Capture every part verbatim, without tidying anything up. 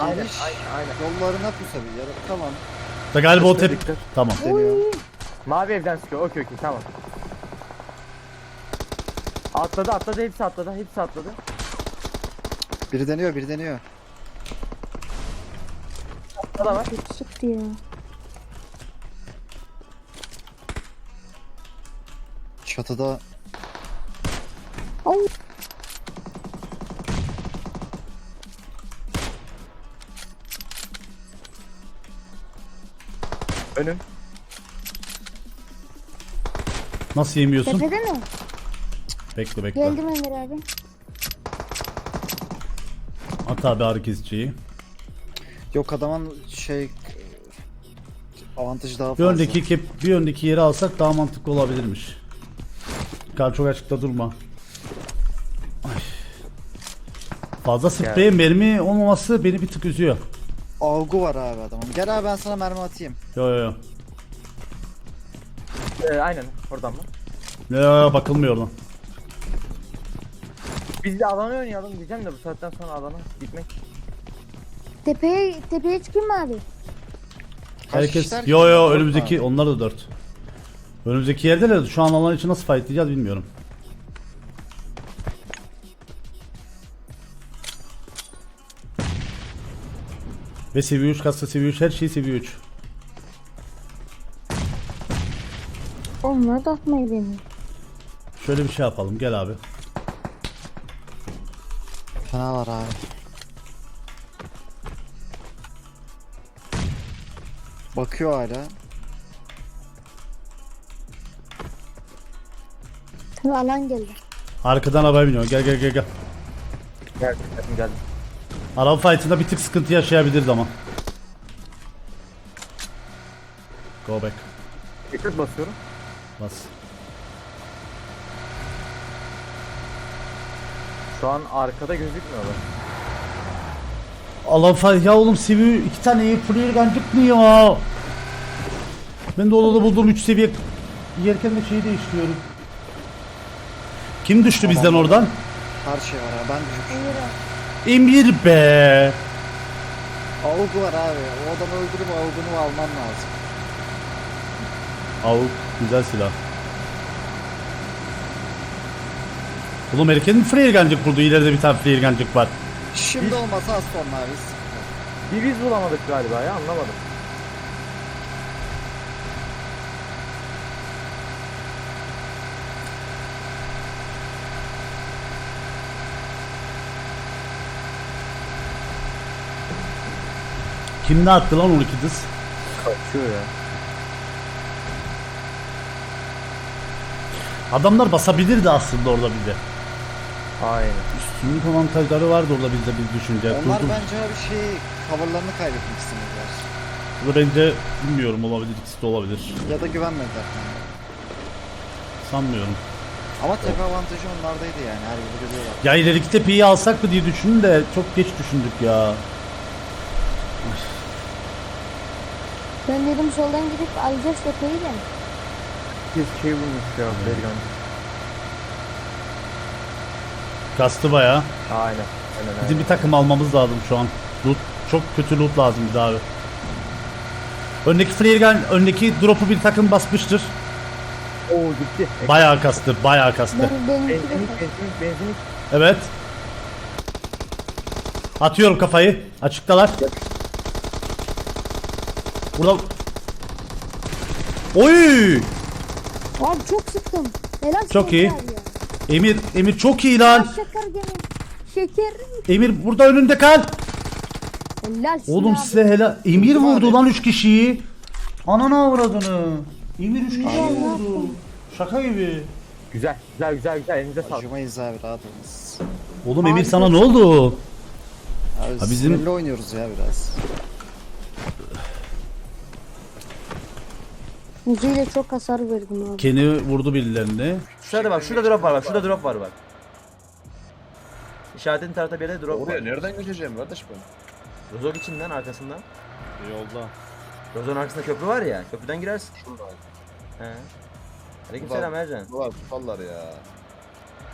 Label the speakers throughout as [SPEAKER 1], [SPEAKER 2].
[SPEAKER 1] Aynen,
[SPEAKER 2] geniş.
[SPEAKER 1] aynen, aynen.
[SPEAKER 2] Yollarına pusabilir. Ya da tamam.
[SPEAKER 3] Da galiba o
[SPEAKER 1] Dikkat,
[SPEAKER 3] tep...
[SPEAKER 1] dikkat.
[SPEAKER 3] Tamam.
[SPEAKER 2] Deniyor.
[SPEAKER 1] Mavi evden sıkıyor. Okey okey tamam. Atladı atladı hepsi atladı hepsi atladı.
[SPEAKER 2] Biri deniyor, biri deniyor.
[SPEAKER 1] O da var.
[SPEAKER 4] Kötü sıktı ya.
[SPEAKER 2] Çatıda
[SPEAKER 4] Au.
[SPEAKER 1] Önüm.
[SPEAKER 3] Nasıl yemiyorsun?
[SPEAKER 4] Tepede mi?
[SPEAKER 3] Bekle bekle.
[SPEAKER 4] Geldim Emir abi.
[SPEAKER 3] At abi ağrı kesiciyi.
[SPEAKER 2] yok adamın şey avantajı daha
[SPEAKER 3] Bir
[SPEAKER 2] fazla.
[SPEAKER 3] öndeki kep, bir öndeki yeri alsak daha mantıklı olabilirmiş. Kar çok açıkta durma. Ay. Fazla sprey mermi olmaması beni bir tık üzüyor.
[SPEAKER 2] Algı var abi adamın. Gel abi ben sana mermi atayım.
[SPEAKER 3] Yo yo yo.
[SPEAKER 1] Ee, aynen oradan mı?
[SPEAKER 3] Yo, yo, bakılmıyor oradan.
[SPEAKER 1] Biz de alana oynayalım diyeceğim de bu saatten sonra alana gitmek.
[SPEAKER 4] Tepeye, tepeye çıkayım mı abi?
[SPEAKER 2] Kaç
[SPEAKER 3] Herkes
[SPEAKER 2] kişiler
[SPEAKER 3] yo
[SPEAKER 2] ki?
[SPEAKER 3] yo
[SPEAKER 2] Dört
[SPEAKER 3] önümüzdeki
[SPEAKER 2] abi.
[SPEAKER 3] onlar da dört. Önümüzdeki yerdeler. Şu an alan için nasıl fightlayacağız bilmiyorum. Ve seviye üç kasa seviye üç her şey seviye üç.
[SPEAKER 4] Onları da atmayı deniyor.
[SPEAKER 3] Şöyle bir şey yapalım gel abi.
[SPEAKER 2] Fena var abi. Bakıyor hala.
[SPEAKER 4] Tabii alan geldi.
[SPEAKER 3] Arkadan araba biniyor gel gel gel gel.
[SPEAKER 1] Geldim geldim geldim.
[SPEAKER 3] Araba fight'ında bir tık sıkıntı yaşayabiliriz ama. Go back.
[SPEAKER 1] Dikkat basıyorum.
[SPEAKER 3] Bas.
[SPEAKER 1] Şu an arkada gözükmüyorlar.
[SPEAKER 3] Allah fight ya oğlum seviye iki tane iyi player gun çıkmıyor ya. Ben de odada bulduğum üç seviye yerken de şeyi değiştiriyorum. Kim düştü bizden oradan?
[SPEAKER 2] Her şey var abi. Ben düşmüşüm.
[SPEAKER 4] Emir abi.
[SPEAKER 3] Emir be.
[SPEAKER 2] Algı var abi. O adamı öldürüp algını alman lazım.
[SPEAKER 3] Avuk güzel silah. Oğlum erken mi flare gun'cık kurdu? İleride bir tane flare gun'cık var.
[SPEAKER 2] Şimdi olmasa az sonra abi.
[SPEAKER 1] Bir biz bulamadık galiba ya anlamadım.
[SPEAKER 3] Kim ne attı lan on iki dız?
[SPEAKER 1] Kaçıyor ya.
[SPEAKER 3] Adamlar basabilirdi aslında orada bize.
[SPEAKER 1] Aynen.
[SPEAKER 3] Üstünlük avantajları vardı orada bizde biz düşünce.
[SPEAKER 2] Onlar
[SPEAKER 3] Durdum.
[SPEAKER 2] bence abi şey coverlarını kaybetmek istediler.
[SPEAKER 3] Bu da bence bilmiyorum olabilir ikisi de olabilir.
[SPEAKER 2] Ya da güvenmediler. Yani.
[SPEAKER 3] Sanmıyorum.
[SPEAKER 2] Ama tepe avantajı onlardaydı yani. Her yeri görüyorlar.
[SPEAKER 3] Ya ileriki tepeyi alsak mı diye düşündüm de çok geç düşündük ya.
[SPEAKER 4] Ben dedim soldan gidip alacağız tepeyi de.
[SPEAKER 1] Biz şey bulmuş ya Bergan.
[SPEAKER 3] Kastı baya.
[SPEAKER 1] Aynen. Aynen
[SPEAKER 3] Bizim
[SPEAKER 1] aynen.
[SPEAKER 3] bir takım almamız lazım şu an. Loot, çok kötü loot lazım bize abi. Öndeki flare gun, öndeki drop'u bir takım basmıştır.
[SPEAKER 1] Oo gitti.
[SPEAKER 3] Bayağı kastı, bayağı kastı.
[SPEAKER 4] Ben benimki de
[SPEAKER 1] Benzinlik benzinlik benzinlik.
[SPEAKER 3] Evet. Atıyorum kafayı. Açıktalar. Burada... Oy!
[SPEAKER 4] Abi çok sıktım. Helal
[SPEAKER 3] Çok iyi.
[SPEAKER 4] şeker ya.
[SPEAKER 3] Emir, Emir çok iyi lan.
[SPEAKER 4] Şeker gene. Şeker.
[SPEAKER 3] Emir burada önünde kal.
[SPEAKER 4] Helal
[SPEAKER 3] Oğlum
[SPEAKER 4] abi.
[SPEAKER 3] size helal. Emir
[SPEAKER 2] Vurdum
[SPEAKER 3] vurdu
[SPEAKER 2] abi.
[SPEAKER 3] lan üç kişiyi. Ananı avradını. Emir üç kişiyi
[SPEAKER 4] Ay,
[SPEAKER 3] vurdu. Şaka gibi.
[SPEAKER 1] Güzel güzel güzel güzel elinize sağlık.
[SPEAKER 2] Acımayız abi rahat olunuz.
[SPEAKER 3] Oğlum Emir
[SPEAKER 4] Abi
[SPEAKER 3] sana
[SPEAKER 4] çok-
[SPEAKER 3] ne oldu?
[SPEAKER 2] Abi
[SPEAKER 3] Ha, bizim-
[SPEAKER 2] sinirli oynuyoruz ya biraz.
[SPEAKER 4] Müziğiyle çok hasar verdim abi.
[SPEAKER 3] Ken'i vurdu birilerine.
[SPEAKER 1] Şurada bak şurada drop var bak şurada drop var bak. İşaretin tarafta bir yerde drop
[SPEAKER 5] Oraya
[SPEAKER 1] var.
[SPEAKER 5] nereden geçeceğim kardeş ben?
[SPEAKER 1] Rozok içinden arkasından.
[SPEAKER 5] Yolda.
[SPEAKER 1] Rozok'un arkasında köprü var ya köprüden girersin.
[SPEAKER 5] Şurada.
[SPEAKER 1] He. Aleykümselam Ercan.
[SPEAKER 5] Ulan tutarlar ya.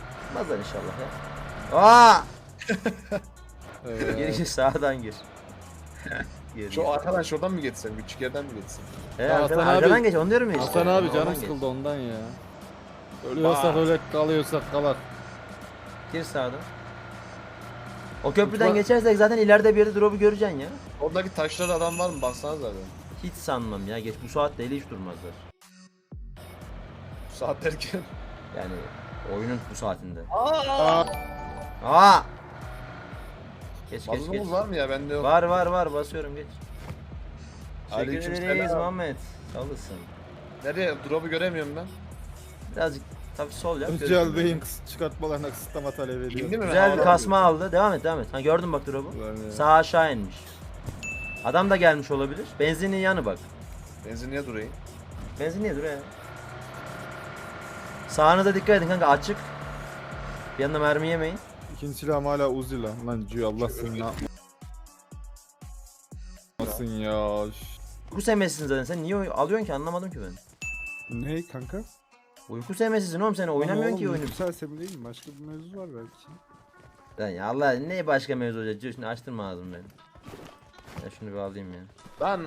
[SPEAKER 1] Olmazlar inşallah ya. Aa!
[SPEAKER 5] Evet.
[SPEAKER 1] Girişi sağdan gir. Geri.
[SPEAKER 5] Şu arkadan şuradan mı geçsem? Küçük yerden mi geçsem?
[SPEAKER 1] He,
[SPEAKER 6] Ya
[SPEAKER 1] arkadan,
[SPEAKER 6] Hasan abi-
[SPEAKER 1] arkadan geç onu diyorum ya işte.
[SPEAKER 6] Hasan abi
[SPEAKER 1] Oradan
[SPEAKER 6] canım
[SPEAKER 1] geç.
[SPEAKER 6] sıkıldı ondan ya. Ölüyorsak
[SPEAKER 5] Bak.
[SPEAKER 6] öyle kalıyorsak kalak.
[SPEAKER 1] Gir sağdan. O köprüden
[SPEAKER 5] Uçma-
[SPEAKER 1] geçersek zaten ileride bir yerde drop'u göreceksin ya.
[SPEAKER 5] Oradaki taşlarda adam var mı? Baksana zaten.
[SPEAKER 1] Hiç sanmam ya. Geç bu saatte hiç durmazlar.
[SPEAKER 5] Bu saat derken.
[SPEAKER 1] Yani oyunun bu saatinde.
[SPEAKER 5] Aa!
[SPEAKER 1] Aa! Geç geç geç.
[SPEAKER 5] Mazlumuz var mı ya? Bende yok.
[SPEAKER 1] Var var var basıyorum geç. Teşekkür
[SPEAKER 5] Aleykümselam.
[SPEAKER 1] ederiz Muhammed. Sağ olasın.
[SPEAKER 5] Nereye? Drop'u göremiyorum ben.
[SPEAKER 1] Birazcık tabii sol yap.
[SPEAKER 6] Özel
[SPEAKER 1] görürsün.
[SPEAKER 6] Bey'in kıs- çıkartmalarına kısıtlama talep ediyor.
[SPEAKER 5] İndi mi?
[SPEAKER 1] Güzel bir
[SPEAKER 5] Havadan
[SPEAKER 1] kasma
[SPEAKER 5] diyor.
[SPEAKER 1] aldı. Devam et devam et. Ha gördün bak drop'u.
[SPEAKER 6] Ulan ya.
[SPEAKER 1] Sağ aşağı inmiş. Adam da gelmiş olabilir. Benzinin yanı bak.
[SPEAKER 5] Benzinliğe durayım.
[SPEAKER 1] Benzin niye duruyor ya? Sağınıza dikkat edin kanka açık. Bir yanına mermi yemeyin.
[SPEAKER 6] İkinci silahım hala Uzi lan. Lan Cü Allah seni ne yapmasın ya.
[SPEAKER 1] Uyku sevmesizsin zaten. Sen niye oy- alıyorsun ki anlamadım ki ben.
[SPEAKER 7] Ne kanka?
[SPEAKER 1] Uyku sevmesizsin oğlum sen oynamıyorsun ki oyunu.
[SPEAKER 7] Güzel sebebi değil mi? Başka bir mevzu var belki.
[SPEAKER 1] Lan ya Allah ne başka mevzu olacak? Dur, Şimdi açtırma ağzını benim. Ya şunu bir alayım ya.
[SPEAKER 5] Ben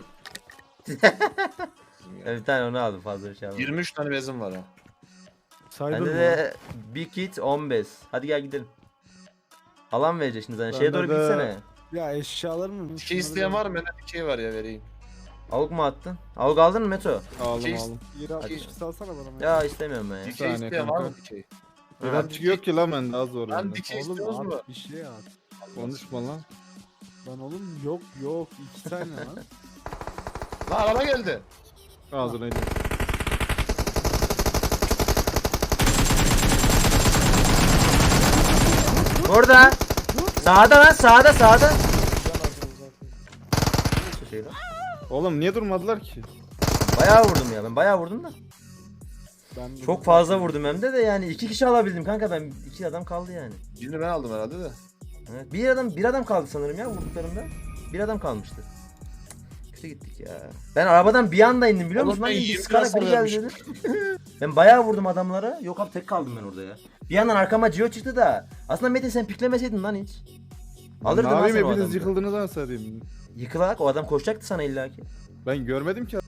[SPEAKER 1] Ya bir tane onu aldım fazla bir şey almadım.
[SPEAKER 5] yirmi üç tane bezim var ha.
[SPEAKER 7] Saydın
[SPEAKER 1] Bende
[SPEAKER 7] mı?
[SPEAKER 1] de bir kit on beş. Hadi gel gidelim. Alan vereceğiz şimdi zaten. Şeye
[SPEAKER 7] Bende
[SPEAKER 1] doğru
[SPEAKER 7] de-
[SPEAKER 1] gitsene.
[SPEAKER 7] Ya eşyalar mı?
[SPEAKER 5] Dikey isteyen var mı? Bende dikey var ya vereyim.
[SPEAKER 1] Avuk mu attın? Avuk aldın mı Meto?
[SPEAKER 6] Aldım
[SPEAKER 5] Şey-
[SPEAKER 6] aldım.
[SPEAKER 7] İyi
[SPEAKER 1] Hadi.
[SPEAKER 7] altmış salsana bana.
[SPEAKER 1] Ya istemiyorum ben ya.
[SPEAKER 5] Dikey
[SPEAKER 6] saniye
[SPEAKER 5] isteyen var
[SPEAKER 6] kanka.
[SPEAKER 5] mı dikey?
[SPEAKER 1] Ha,
[SPEAKER 6] Rapçi yok ki lan bende az zor.
[SPEAKER 5] Lan
[SPEAKER 6] bende.
[SPEAKER 5] dikey
[SPEAKER 7] Oğlum
[SPEAKER 5] istiyoruz mu?
[SPEAKER 7] at bir şey at.
[SPEAKER 6] Konuşma lan.
[SPEAKER 7] Lan oğlum yok yok iki tane lan.
[SPEAKER 5] Lan araba geldi.
[SPEAKER 6] Ağzına indir.
[SPEAKER 1] Burada. Sağda lan sağda sağda. Şey lan.
[SPEAKER 6] Oğlum niye durmadılar ki?
[SPEAKER 1] Bayağı vurdum ya ben bayağı vurdum da.
[SPEAKER 7] Ben de-
[SPEAKER 1] Çok fazla vurdum hem de de yani iki kişi alabildim kanka ben iki adam kaldı yani.
[SPEAKER 5] Birini ben aldım herhalde de.
[SPEAKER 1] Evet, bir adam bir adam kaldı sanırım ya vurduklarımda. Bir adam kalmıştı. Kötü gittik ya. Ben arabadan bir anda indim biliyor
[SPEAKER 5] Oğlum
[SPEAKER 1] musun? Lan
[SPEAKER 5] ben
[SPEAKER 1] bir
[SPEAKER 5] yirmi
[SPEAKER 1] sıkarak
[SPEAKER 5] hasar
[SPEAKER 1] biri geldi dedi. Ben bayağı vurdum adamlara. Yok abi tek kaldım ben orada ya. Bir yandan arkama Gio çıktı da. Aslında Metin sen piklemeseydin lan hiç. Alırdın
[SPEAKER 6] ne
[SPEAKER 1] lan
[SPEAKER 6] yapayım
[SPEAKER 1] sen o
[SPEAKER 6] hepiniz
[SPEAKER 1] adamı.
[SPEAKER 6] yıkıldınız anasını satayım.
[SPEAKER 1] Yıkılarak o adam koşacaktı sana illaki.
[SPEAKER 6] Ben görmedim ki